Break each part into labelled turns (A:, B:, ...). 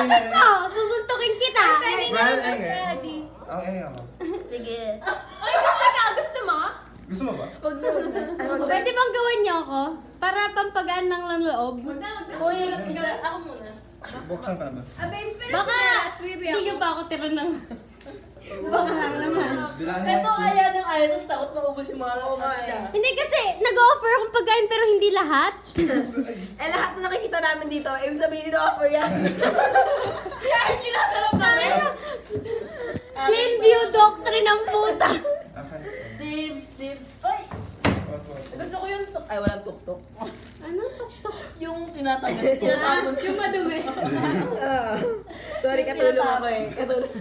A: Bilisan mo! Susuntukin kita!
B: Well,
C: ready.
B: Okay, ako.
A: Sige.
C: Ay, gusto ka? Gusto mo?
B: Gusto mo ba?
D: Wag na. Ay, wag na.
A: Pwede bang gawin niyo ako? Para pampagaan ng loob?
C: Wag na.
D: Uy, ako muna.
B: Buksan ka na ba?
C: Babes, pero
A: Baka
C: baby
A: hindi niyo pa ako tira ng... Baka lang naman.
B: Bilaan mo.
D: Ito kaya ng ayaw, tapos takot maubos yung mga
C: eh.
A: Hindi kasi nag-offer akong pagkain pero hindi lahat.
D: Eh, lahat na nakikita namin dito, ibig sabihin offer yan. Kahit kinasarap namin.
A: Clean view doctrine ng puta.
B: Okay.
D: Tips. Uy! Gusto ko yung ay, walang tuktok.
A: Anong tuktok?
D: Yung tinatapon.
C: Yung madumi.
D: Sorry, katulong ako eh. Katulong.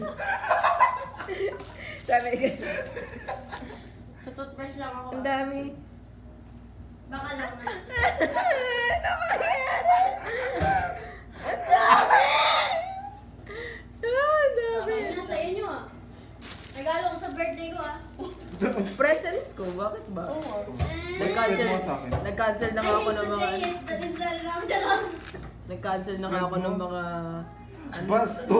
D: Sabi ko.
C: Tututbrush lang ako.
D: Ang dami.
C: Baka lang na.
D: Ang dami.
C: Ano na sa inyo ah. Regalo ko sa birthday ko ah.
D: Presents ko, bakit ba?
B: Nag-cancel mo sa akin.
D: Nag-cancel na nga ako ng mga...
C: That is the wrong charot.
D: Nag-cancel na nga ako ng mga...
B: Basto!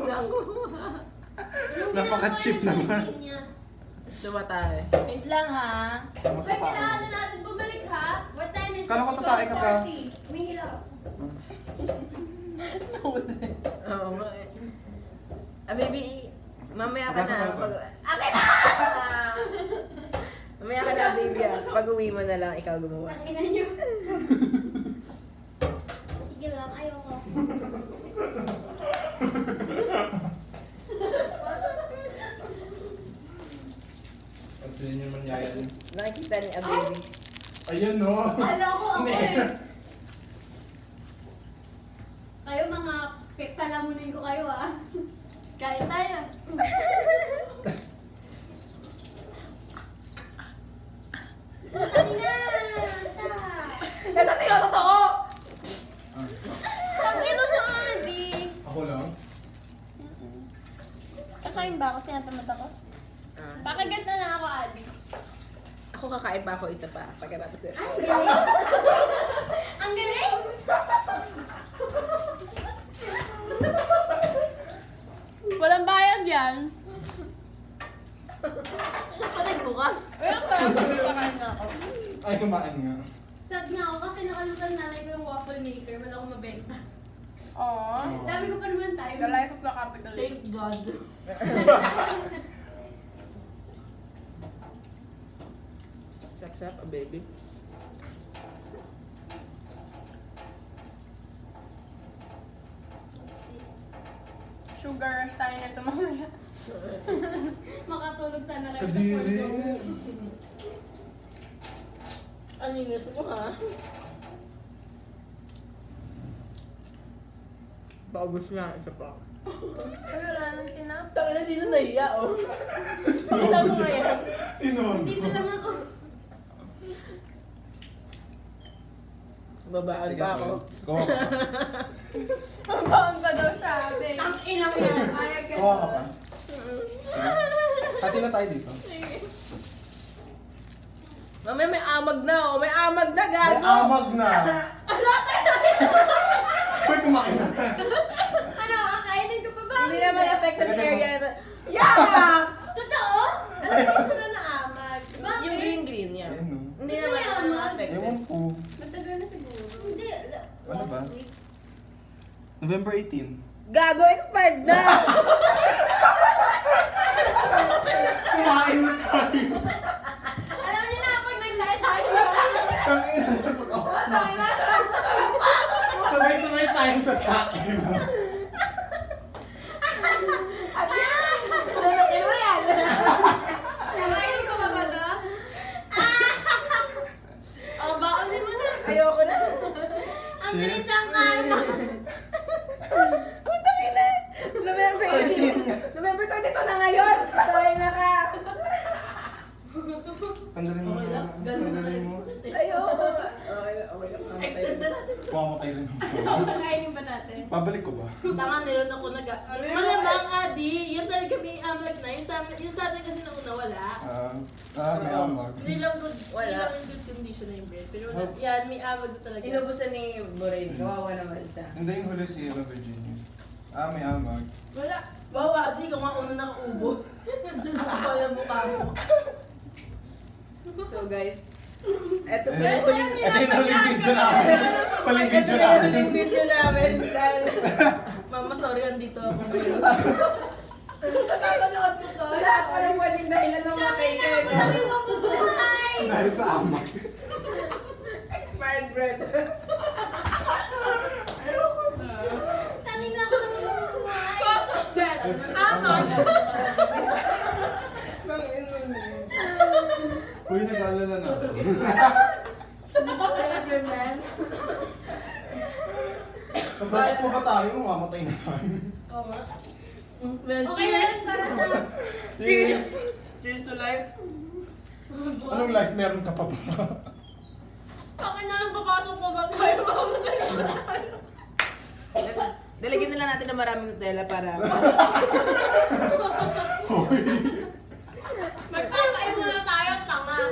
B: Napaka-cheap naman.
D: Tumatay. Wait lang ha.
B: Mas
C: Wait, kailangan
B: mataas.
C: na natin bumalik ha? What time is
B: Kala ko tatay ka pa.
C: Umihila ako.
D: Oo nga eh. Ah, baby, mamaya ka
B: Pagkasa
D: na.
B: pa ito.
D: Akin na! Mamaya ka na, baby ah. Pag uwi mo na lang, ikaw gumawa.
C: Ang ina niyo. Sige lang, ayoko.
B: At yun yung manyaya niya.
D: Nakikita ni a baby.
B: Ayun no!
C: Ala ko ako
B: Hindi.
C: eh. Kayo mga palamunin ko kayo ah.
D: Kain tayo.
C: Putang ina! Stop!
D: Ito tayo, totoo!
C: Ang ino na Adi!
B: Ako lang?
C: Kakain ba ako? Tinatamad ako? Pakagat na lang ako, Adi.
D: Ako kakain pa ako isa pa. Pagkatapos yun.
C: Ay, ang galing! Ang galing! Walang bayad yan.
D: Siya pa rin bukas.
C: Ay, ang sarap. Kakain na ako.
B: Ay, kumain nga.
C: Sad nga ako kasi nakalimutan nanay ko yung waffle maker. Wala akong mabenta.
D: Aww.
C: Dami ko pa naman tayo.
D: The life of the capitalist. Thank God. Sap-sap, a baby.
C: Sugar rush tayo nito mamaya. Makatulog sana rin
B: Kadiri!
D: Ang linis mo ha. Paubos nga, isa pa.
C: Ay, wala nang tinap.
D: Taka na, di na nahiya oh. Pakita mo nga yan.
B: Inom!
C: Dito lang ako.
D: Babaan pa ako.
B: Kuha ka pa.
C: Ang baon pa daw siya, ate. Ang inang yan. Ayaw ka.
B: Kuha ka pa. Hati na tayo dito.
D: Mamaya may amag na oh. May amag na,
B: May
D: gago.
B: amag na! Uy, kumain na!
C: Ano, kakainin ko pa ba?
D: Hindi naman affected
B: Teka,
D: area na. Yeah!
C: Totoo? Ano yung sura na amag? Bakit?
D: Yung green yan.
B: Ayun no.
D: Hindi
C: Ano
D: naman
C: yung amag?
D: affected.
B: Ewan po.
C: Matagal na siguro. Hindi.
B: Ano ba?
C: Last week.
B: November 18.
D: Gago, expired na!
B: Kumain na tayo!
C: Alam niyo na, pag nag-diet tayo.
B: Ang ina na pag-off na. Sabay-sabay tayong tatakin.
D: Lalakin mo yan!
C: Kakainin ko pa ba to? Oh, baonin mo na.
D: Ayoko na.
C: Ang bilis ng ano.
D: Ang takin na! November 18. November 22 na ngayon! Sorry na ka!
B: Tanggalin mo.
D: Okay lang. Ganun na
B: Tanggalin mo.
D: Ayoko. Okay lang.
C: Extend na natin.
B: Kuha mo tayo rin.
C: Kakainin ba natin?
B: Pabalik ko ba?
D: Tanga, nilun ako nag... Malamang, Adi, yun talaga may amag na. Yung sa atin kasi nauna wala.
B: May amag.
D: Hindi lang good, wala. Hindi lang in good condition na yung bread. Pero yan, may amag talaga. Inubusan ni Borain. Kawawa naman siya.
B: Hindi yung huli si Eva Virginia. May amag.
C: Wala.
D: Wow, ate, ikaw nga una nakaubos. Ako pala yung mukha mo. So guys, eto po yung huling...
B: Ito yung huling video namin. Huling video
D: Ito na yung
B: namin.
D: huling video namin. Dahil, Mama, sorry, andito ako ngayon.
C: Napapanood mo to.
D: Wala pa rin pwedeng dahilan ng mga kaibigan.
B: Dahil sa amag.
D: Expired bread.
A: Sabi nga ako ng buhay.
C: Cost of death. Aman.
B: Uy, nag-aalala na ako.
D: Expired bread, man.
B: Bakit po ba tayo? Mamamatay na tayo.
D: Oo nga. Well,
C: Okay,
D: cheers!
C: tara, tara.
D: Cheers! Cheers to life.
B: Anong life meron ka pa ba?
C: Bakit na lang papasok ko ba tayo mamamatay na tayo?
D: Dalagyan na lang natin ng maraming Nutella para...
C: Magpapakain muna tayo, tanga.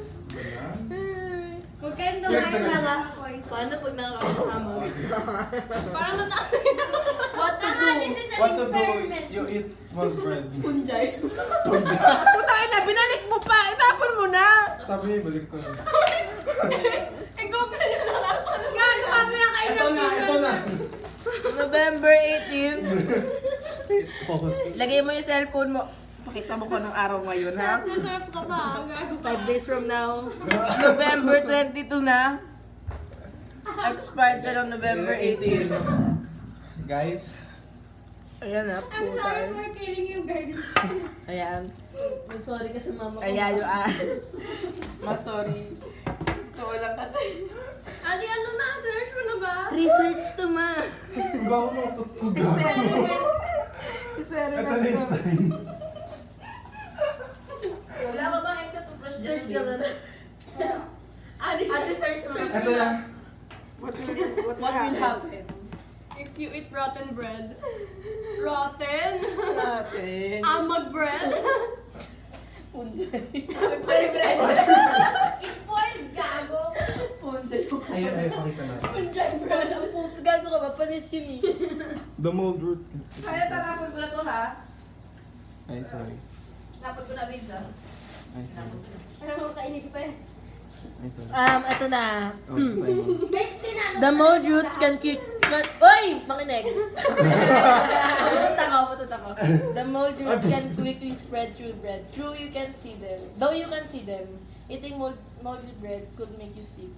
C: Huwag kayong
B: Cheers
C: dumain
B: na
C: na nga.
D: Paano pag nakakahamag?
C: Para matapos.
D: What to do?
A: This is an
B: What to do?
A: experiment.
B: You eat small bread.
D: Punjay.
B: Punja.
D: Putay na, binalik mo pa! Itapon mo na!
B: Sabi niya, balik ko na.
C: Ikaw pa nyo lang ako. Gago mamaya kayo
B: Ito na, ito na.
D: November 18.
B: Focus.
D: Lagay mo yung cellphone mo. Pakita mo ko ng araw ngayon, ha?
C: Masarap ka pa. Gago ka.
D: 5 days from now. November 22 na. Expired siya ng November 18.
B: Guys,
D: Ayan na,
C: I'm sorry for killing you guys.
D: Ayan.
A: Sorry kasi mama ko.
D: Ayan yung sorry. Totoo lang kasi.
C: Adi, ano na? Search mo na ba?
A: Research to ma.
B: kugaw mo, kugaw.
D: Isere
B: Ito na yung sign.
D: Wala ka bang extra toothbrush dyan?
A: Search naman.
C: Adi,
A: search mo.
B: Ito na.
D: What will happen?
C: if you eat rotten bread. Rotten?
D: Happen.
C: Amag bread?
D: Punjay.
C: Punjay bread. Spoiled, gago.
D: Punjay.
B: Ayun, ayun, pakita natin.
C: Punjay bread.
A: Ang puto gago ka ba? Panis yun eh.
B: The mold roots.
D: Kaya tarapon ko na to, ha?
B: Ay, sorry.
D: Tapon ko na, babes, ha?
B: Ay, sorry.
C: Ano mo kainit pa eh?
B: Ay, sorry.
A: Ito na.
B: Oh, sorry mo.
C: Guys, tinanong.
A: The mold roots can Uy! Makinig! Matuta ko. The mold roots can quickly spread through bread. True, you can see them. Though you can see them, eating moldy bread could make you sick.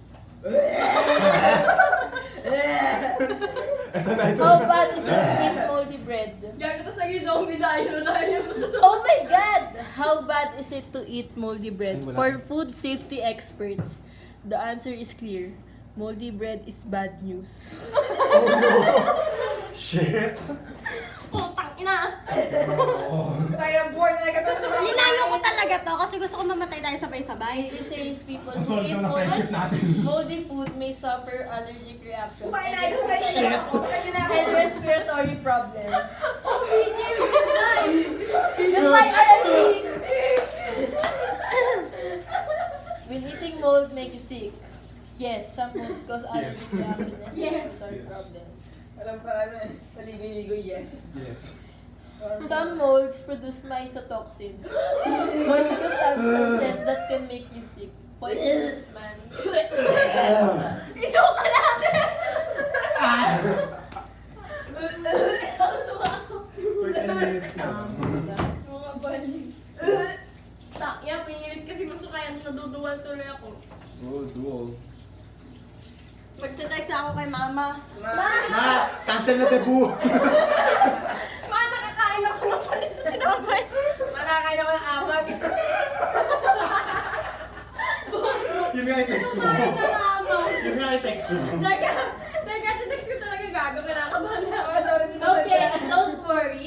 B: Ito na, ito
A: How
B: na.
A: bad is it to eat moldy bread?
C: Gago to sa zombie tayo.
A: Oh my God! How bad is it to eat moldy bread?
B: Ay, wala.
A: For food safety experts, the answer is clear. Moldy bread is bad news.
B: Oh no! Shit!
C: Putang ina.
B: Oh.
D: Kaya boy na nagkatong sa mga...
C: Linalo ko talaga to kasi gusto ko mamatay tayo sabay-sabay.
A: It says people who
B: Nasolve
A: eat
B: na friendship natin.
A: moldy food may suffer allergic reactions
D: Kumain na, ito kayo.
B: Shit.
A: and respiratory problems.
C: Oh, BJ, we're alive.
A: Goodbye, RIP! Will eating mold make you sick? Yes, some molds cause allergic reaction and
C: Yes.
A: respiratory problems.
D: Alam pa, paligoy-ligoy, yes.
B: Yes.
A: Some molds produce mycotoxins, poisonous substances that can make you sick. Poisonous, man.
C: Isuka natin. Ang suka ko.
B: 13 minutes na.
C: Mga balik. Takya, pinilit kasi masukayan. Naduduwal tuloy ako.
B: Oh, dual.
C: Magte-text ako kay mama.
B: Ma! Cancel na debut!
C: Ma, nakakain ako ng panis na tinapay.
D: Manakain ako ng amag.
B: Yun nga yung text mo. Yun nga yung text mo.
C: Nagka-text ko talaga gago. Kinakabahan na ako. Sorry, hindi ko
A: Okay,
C: sadya.
A: don't worry.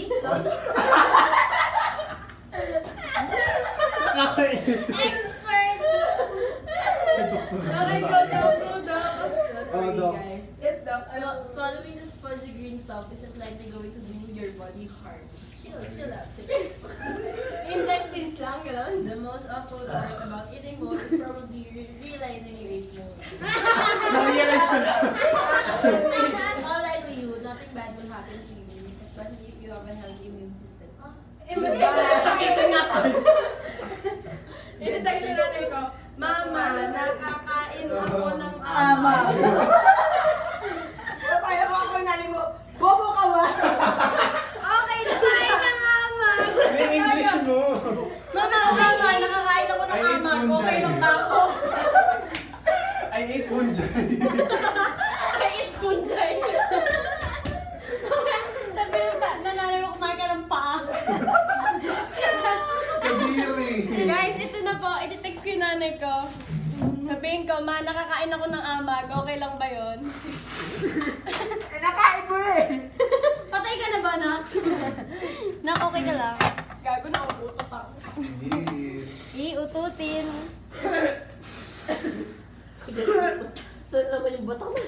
B: Nakakainis.
C: Expert!
B: May doktor na
C: Okay,
B: ba
C: go,
B: tayo?
C: go, go.
B: Oh, Doc.
A: guys.
D: Yes, doc.
A: Swallowing this fuzzy green stuff isn't likely going to do your body harm. Chill out.
C: Intestines lang, gano'n.
A: The most awful part about eating mold is probably realizing you ate mold.
B: Na-realize ko na.
A: In all likelihood, nothing bad will happen to you,
C: my healthy immune system.
B: Sakitin nga tayo.
C: Inisag sa nanay ko, Mama, nakakain ako ng
D: Ama. Kaya ko ako nani mo, bobo ka ba?
C: Okay, nakain ng amag!
B: May English mo.
D: Mama, nakakain ako ng
B: I ate
D: amag.
B: fungi.
D: Okay lang ba ako?
B: I ate fungi.
C: Kait kunjay! Sabi ng nanay mo, kumain ka ng paa.
B: Kadiri.
D: Guys, ito na po. Iti-text ko yung nanay ko. Sabihin ko, ma, nakakain ako ng amag. Okay lang ba yun? Nakain mo na eh.
C: Patay ka na ba, Nak? Nak, okay ka lang?
D: Gago na utot ako.
C: Iututin.
A: Ito naman yung batak na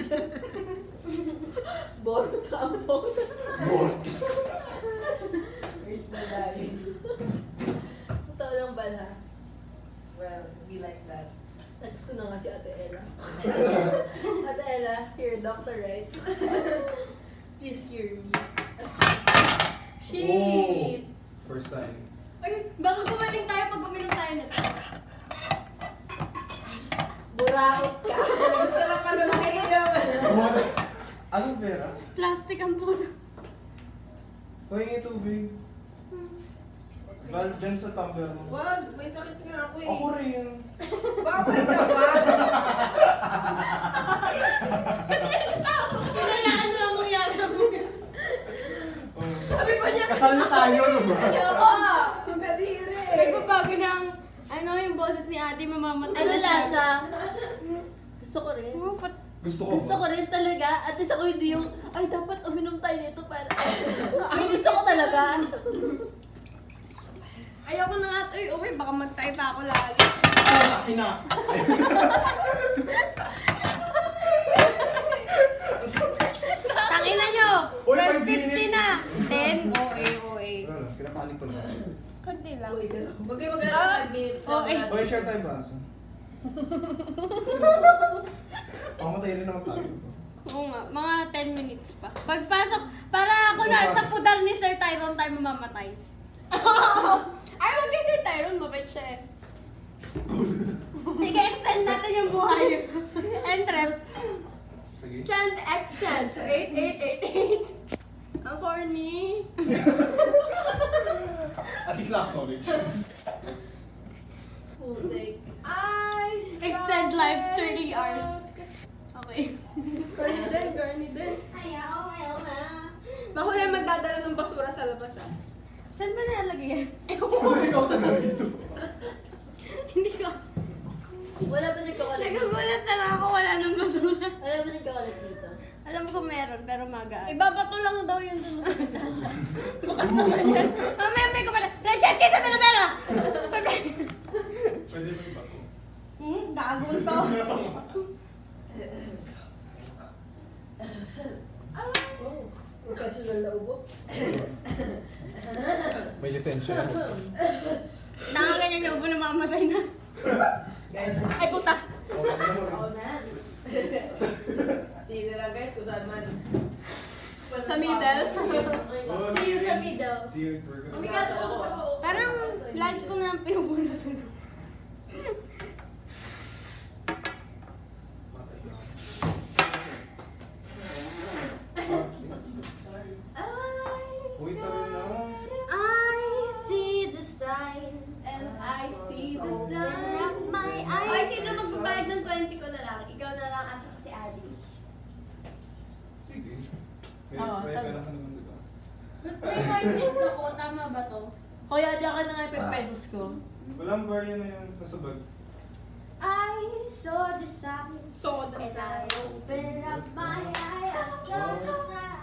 A: Borot ang borot.
B: Bort.
A: Where's the daddy? Totoo lang ba na? Well, be like that. Text ko na nga si Ate Ella. Ate Ella, you're a doctor, right? Please cure me.
C: Shit!
B: First sign.
D: Ay, baka gumaling tayo pag uminom tayo nito.
A: Buraot ka.
D: Sarap pala makinom.
B: What? Anong pera?
C: Plastic ang puno.
B: Huwag tubig. Val, dyan sa tumbler mo.
C: Wag, may sakit nga ako eh.
B: Ako rin.
C: Bakit ka ba? Kailangan mo lang mangyari ako. Sabi pa niya,
B: Kasal na tayo, ano ba?
D: Ayoko! Magadiri!
C: nagbabago ng, yung boses ni ate, mamamatay.
A: Ano lasa? Gusto ko rin.
B: Gusto ko
A: Gusto ko rin talaga. At least ako hindi yung, ay dapat uminom tayo nito para... Ay, gusto ko talaga.
C: Ayoko na nga, uy, baka magtay pa ako lagi.
B: Ina.
C: Tangina nyo!
B: Uy,
C: 12:50
B: 5 minutes.
C: na! 10? OA.
B: Wala lang, pinapanik ko lang.
C: Kunti lang.
A: Uy, ganun.
C: Bagay maganda 5 minutes lang.
D: Okay.
B: Uy, share tayo ba? Mamatay rin naman tayo.
C: Oo nga, mga 10 minutes pa. Pagpasok, para ako na sa pudar ni Sir Tyrone tayo mamamatay.
D: Ay, wag kay Sir Tyrone, mabait siya eh.
C: Sige, extend natin yung buhay. Entrep.
B: Sige.
D: Send extend to 8888. Ang corny.
B: At least na-acknowledge.
A: Putik.
C: Extend life 30 hours. Okay.
D: Corny din.
C: Ayaw na.
D: Bako na magdadala ng basura sa labas ah.
C: Saan ba nilalagay yan?
B: Ikaw taga dito.
C: Hindi ko.
A: Wala ba nagkakalat dito?
C: Nagugulat na lang ako, wala nang basura.
A: Wala ba nagkakalat dito?
C: Alam ko meron, pero magaan.
D: Ibabato lang daw yun dun sa
C: Bukas naman yan. Mamaya may kumala. Francesca sa Talavera!
B: Pwede mo iba ko.
C: Gagawin to.
A: Oh, professional na ubo.
B: May lisensya.
C: Tanga ganyan yung ubo na mamatay na.
A: Guys,
C: Ay, puta.
A: ako na. See you na guys, kung saan man.
D: Sa middle?
C: See you sa middle.
B: See you. We're gonna-
A: Umigas ako.
C: Parang lagi ko na pinupunasan.
B: Patay ka. Uy, tayo na.
C: I see the sign.
D: And I see the
C: Open
D: sun.
C: up my
D: Ay,
C: eyes.
D: sino magbabayad ng 20 ko na lang? Ikaw na lang at saka si Adi.
B: Sige. May
A: Oo,
B: may
A: tama.
B: pera ka naman, diba?
C: May 5 minutes ako, tama ba to?
A: Kuya, di ka na nga yung pesos ko.
B: Walang bar yan na yan. Nasa bag.
C: I saw the sign.
D: Soda
C: And I
D: sa.
C: opened up my eyes. I saw the sign.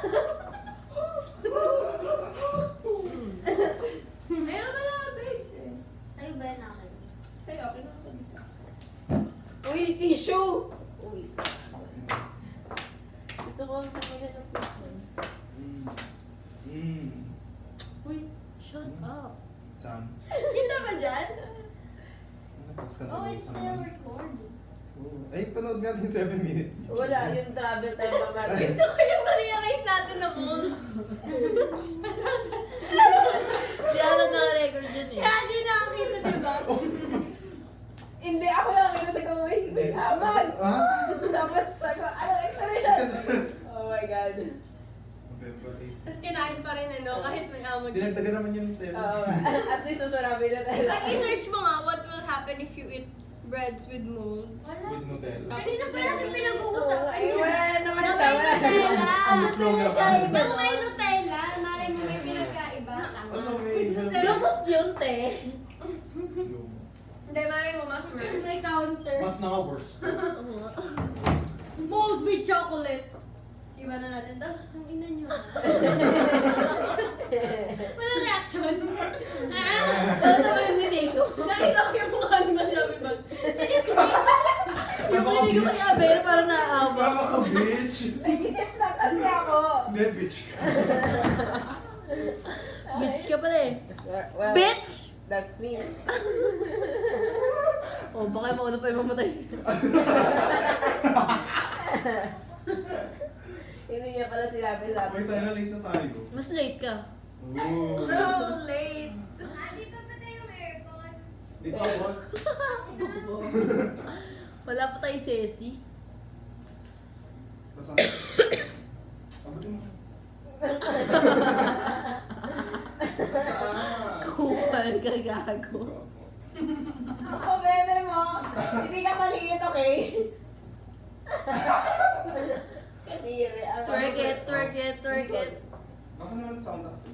D: Ayun ka na, babes eh.
C: Sa'yo ba yan akin?
D: Sa'yo, okay na ako dito.
A: Uy, tissue! Uy. Gusto ko ang pamilya ng tissue. Uy, shut up.
B: Sam.
D: Kita ba dyan?
B: Napas ka na
A: Oh,
B: doon
A: it's
B: sa
A: still
B: naman.
A: recording.
B: Ay, panood natin 7 minutes.
D: Wala, yung travel time lang natin.
C: Gusto ko yung ma-realize natin na molds.
A: Si Alan naka-record dyan eh.
C: Kaya di nakakita, diba?
D: Hindi, ako lang kita sa kamay. May aman.
B: Ah?
D: Tapos ako, anong explanation? Oh my God.
C: Tapos kinain pa rin ano, kahit may amag.
B: Dinagdagan naman yung tela.
D: Oo, at least susurabi na tayo.
C: Pag i-search mo nga, what will happen if you eat breads with mold?
B: With Nutella.
C: Kanina pa natin pinag-uusapan.
D: Ay, wala naman
C: Na
D: siya.
C: may Nutella.
B: Ang slow na ba?
C: Na may Nutella. Malay mo may pinagkaiba.
B: Ano may
A: Lumot yun, te.
C: Hindi, malay mo mas worse. May counter.
B: Mas naka-worse.
C: Mold with chocolate. Iba na natin to. Ang ina niyo. Wala reaction.
A: Ano naman yung Nico?
C: Nakita ko yung mukha ni Masabi ba?
A: Yung Nico kay Abel, parang naaawa.
B: Baka ka, bitch!
D: Nag-isip lang kasi ako.
B: Hindi, bitch ka.
A: Bitch ka pala eh.
D: Well,
A: Bitch!
D: that's me.
A: Oh, baka mauna pa yung mamatay.
D: Hindi niya pala sinabi sa
B: Wait, tayo na late na tayo.
A: Mas late ka.
B: Ooh.
C: So late.
E: Hindi pa patay yung aircon.
B: Di ba ako?
A: Wala pa tayo sesi.
B: Tapos abutin mo.
A: Kupal ka gago.
D: Ako, bebe mo. Hindi ka maliit, okay? Kadiri.
A: Twerk it, twerk it, twerk it.
B: Baka naman sound ako.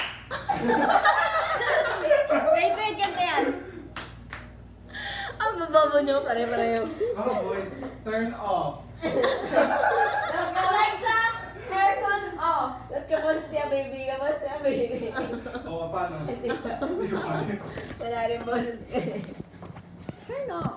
C: Wait, ganda yan.
A: Ang bababo nyo, pare-pareho.
B: Oh, boys, turn off.
C: Alexa, aircon off.
D: Ba't ka pa siya, baby? Ka pa siya, baby?
B: Oo, paano? Hindi ko kaya.
D: Wala rin boses ka eh.
A: Turn off.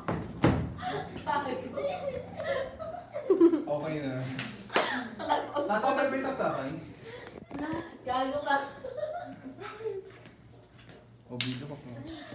B: Okay na. Natawag ba yung saksakan?
A: Gago ka.
B: O, video ko po.